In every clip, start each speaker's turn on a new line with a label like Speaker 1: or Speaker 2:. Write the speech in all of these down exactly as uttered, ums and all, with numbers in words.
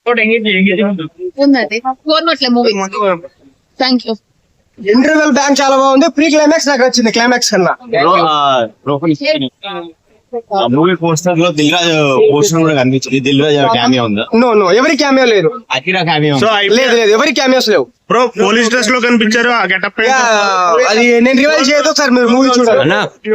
Speaker 1: ఉందండి కోరుకోవట్లే movie. Thank you.
Speaker 2: Interval bang చాలా బాగుంది. ప్రీ క్లైమాక్స్ నాకు వచ్చింది క్లైమాక్స్ కన్నా.
Speaker 3: మూవీ పోస్టర్ లో దిల్ రాజు పోస్టర్ కూడా కనిపించింది. దిల్ రాజు క్యామియో ఉందా?
Speaker 2: నో నో ఎవరి క్యామియో లేదు.
Speaker 3: అఖిరా క్యామియో
Speaker 2: లేదు లేదు ఎవరి క్యామియోస్ లేవు.
Speaker 4: బ్రో పోలీస్ డ్రెస్ లో కనిపించారు ఆ గెటప్.
Speaker 2: అది నేను రివైల్ చేయదు సార్, మీరు మూవీ చూడాలి.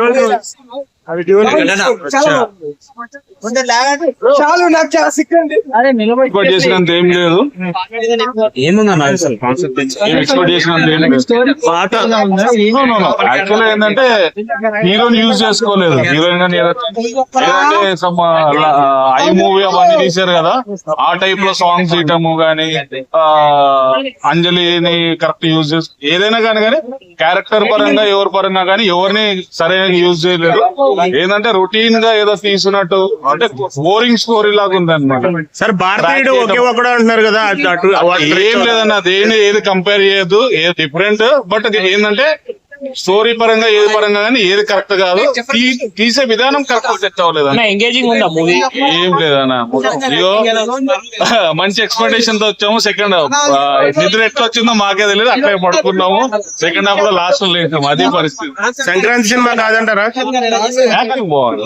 Speaker 2: చాలు నాకు చాలా సిక్ అండి.
Speaker 5: ఎక్స్పెక్ట్ చేసినంత ఏం లేదు.
Speaker 3: ఏముందన్న
Speaker 5: ఎక్స్పెక్ట్ చేసినంత ఏం లేదు. యాక్చువల్ ఏంటంటే హీరోని యూజ్ చేసుకోలేదు. హీరోయిన్ గానీ ఏదంటే సమ్ ఐ మూవీ అవన్నీ తీశారు కదా, ఆ టైప్ లో సాంగ్స్ ఇయటము గానీ, అంజలిని కరెక్ట్ యూజ్ చేసు ఏదైనా కానీ కానీ క్యారెక్టర్ పరంగా ఎవరి పరంగా కానీ ఎవరిని సరైన యూజ్ చేయలేదు. ఏంటంటే రొటీన్ గా ఏదో తీసుకున్నట్టు, అంటే బోరింగ్ స్టోరీ లాగా ఉంది అనమాట.
Speaker 4: సార్ భారతీయుడు ఒకే ఒకడు అంటున్నారు కదా,
Speaker 5: ఏం లేదన్న, దేని ఏది కంపేర్ చేయొద్దు, ఏది డిఫరెంట్. బట్ ఏంటంటే స్టోరీ పరంగా ఏది పరంగా కానీ ఏది కరెక్ట్ కాదు. తీసే విధానం కరెక్ట్ సెట్ అవ్వలేదు.
Speaker 3: ఎంగేజింగ్ ఉందా మూవీ?
Speaker 5: ఏం లేదన్న, అయ్యో మంచి ఎక్స్పెక్టేషన్ తో వచ్చాము. సెకండ్ హాఫ్ నిద్ర ఎట్లా వచ్చిందో మాకే తెలియదు, అక్కడే పడుకున్నాము. సెకండ్ హాఫ్ లో లాస్ట్ లో లేసాము. అదే పరిస్థితి.
Speaker 4: సంక్రాంతి సినిమా కాదంటారా?
Speaker 5: యాక్టింగ్ బాగుంది.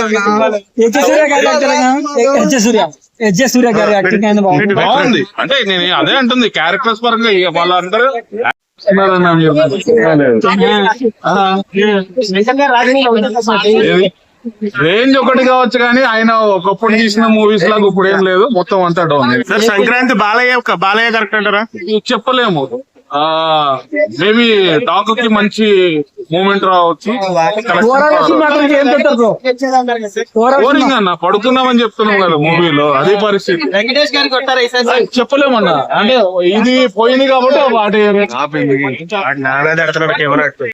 Speaker 5: బాగుంది అంటే నేను అదే అంటుంది, క్యారెక్టర్స్ పరంగా వాళ్ళందరూ రేంజ్ ఒకటి కావచ్చు కానీ ఆయన ఒకప్పుడు తీసిన మూవీస్ లాగా ఇప్పుడు ఏం లేదు, మొత్తం అంతా down.
Speaker 4: Sir Sankranti Balayya Balayya correct అంటారా?
Speaker 5: చెప్పలేము. ఆ మేబీ టాక్ కి మంచి మూమెంట్ రావచ్చు. బోరింగ్ అన్న, పడుకున్నామని చెప్తున్నాం కదా మూవీలో, అదే పరిస్థితి. చెప్పలేమన్నా, అంటే ఇది పోయింది కాబట్టి వాటి